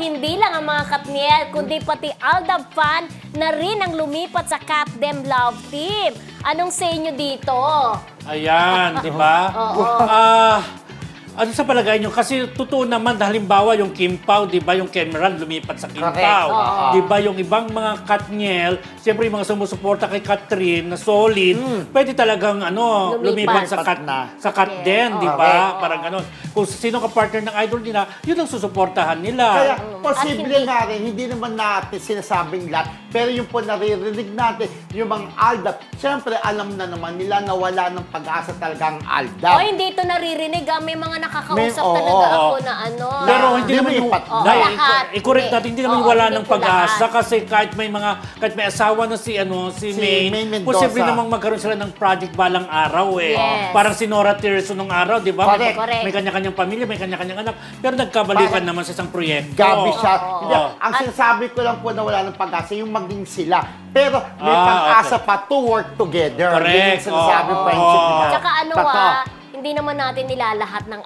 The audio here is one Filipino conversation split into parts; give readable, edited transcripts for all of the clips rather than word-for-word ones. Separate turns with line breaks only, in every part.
hindi lang ang mga Katniel, kundi pati Aldab fan na rin ang lumipat sa Kat Dem Love Team. Anong sa inyo dito?
Ayan, di ba? Ano sa palagay nyo? Kasi totoo naman, halimbawa yung Kim Pao, di ba? Yung Cameron lumipat sa Kim Pao. Di ba? Yung ibang mga Katniel, siyempre yung mga sumusuporta kay Catherine na solid, pwede talagang lumipat sa Kat din, di ba? Parang gano'n. Kung sino ka partner ng idol nila, yun ang susuportahan nila.
Kaya posible nga rin, hindi naman natin sinasabing lahat, pero yung po naririnig natin, yung mga Aldab, siyempre alam na naman nila na wala ng pag-asa talagang Aldab.
O, hindi ito naririnig. May mga nakakausap talaga ako na
Pero hindi naman yung
lahat.
i-correct natin, hindi naman wala ng pag-asa kasi kahit may asawa na si Maine,
Mendoza.
posible namang magkaroon sila ng project balang araw eh.
Yes.
Parang si Nora Tirso nung araw, di ba?
Correct.
May kanya-kanyang pamilya, may kanya-kanyang anak, pero nagkabalikan naman sa isang proyekto.
Gabi siya. Hindi, ang sinasabi ko lang po na wala ng pag-asa, yung maging sila. Pero may pag-asa pa to work together.
Correct.
Yung sinasabi friendship nila.
Tsaka hindi naman natin nilalahat ng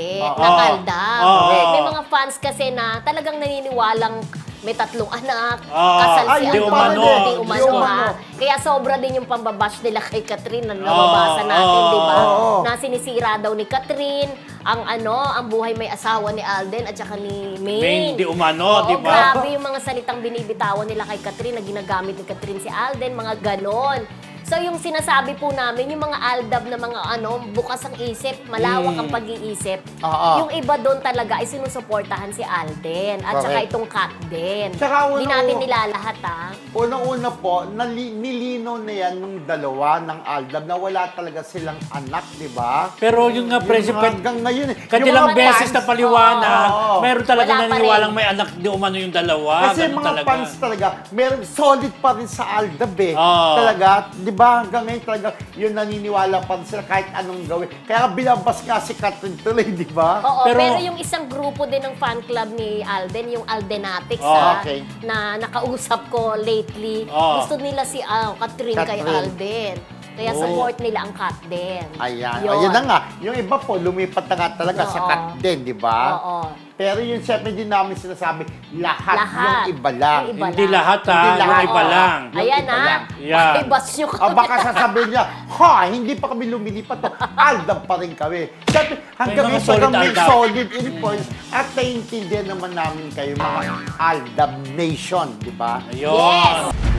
Aldab. May mga fans kasi na talagang naniniwalang may 3 anak, kasal si
di umano.
Di umano ha. Kaya sobra din yung pambabash nila kay Catherine na nababasa natin, di ba? Na sinisira daw ni Catherine ang buhay may asawa ni Alden at saka ni Maine.
Di umano, di ba?
Grabe yung mga salitang binibitawan nila kay Catherine na ginagamit ni Catherine si Alden, mga ganon. So yung sinasabi po namin, yung mga Aldab na mga bukas ang isip, malawak ang pag-iisip, yung iba doon talaga ay sinusuportahan si Alden at saka itong Kat din. Hindi natin nilalahat
Unang-una po, nilinaw na yan nung dalawa ng Aldab na wala talaga silang anak, di ba?
Pero yung nga, President,
hanggang ngayon
kanilang beses na paliwanag, meron talaga
Wala pa
naniniwalang
rin.
may anak di umano yung dalawa.
Kasi
Ganun
mga
talaga.
fans talaga, meron solid pa rin sa Aldab eh. Talaga, di ba? Hanggang ngayon talaga, yun naniniwala pa rin sila kahit anong gawin. Kaya bilabas nga si Catherine tuloy, di ba?
Pero yung isang grupo din ng fan club ni Alden, yung Aldenatics na nakausap ko lately, gusto nila si Catherine kay Alden. Kaya support nila ang Kat din.
Ayan. Yun na nga. Yung iba po, lumipat na nga talaga sa Kat din, di ba? Pero yun, siyempre din namin sinasabi, lahat. Yung iba lang.
Hindi lahat yung iba lang.
Ayan
Yan.
Ibas nyo kami.
Baka sasabihin niya, hindi pa kami lumilipat to. Aldab pa rin kami. Siyempre, hanggang
May mga
ngayon may
solid
solid influence at naiintindihan naman namin kayo, mga Aldab Nation, di ba?
Ayun.
Yes!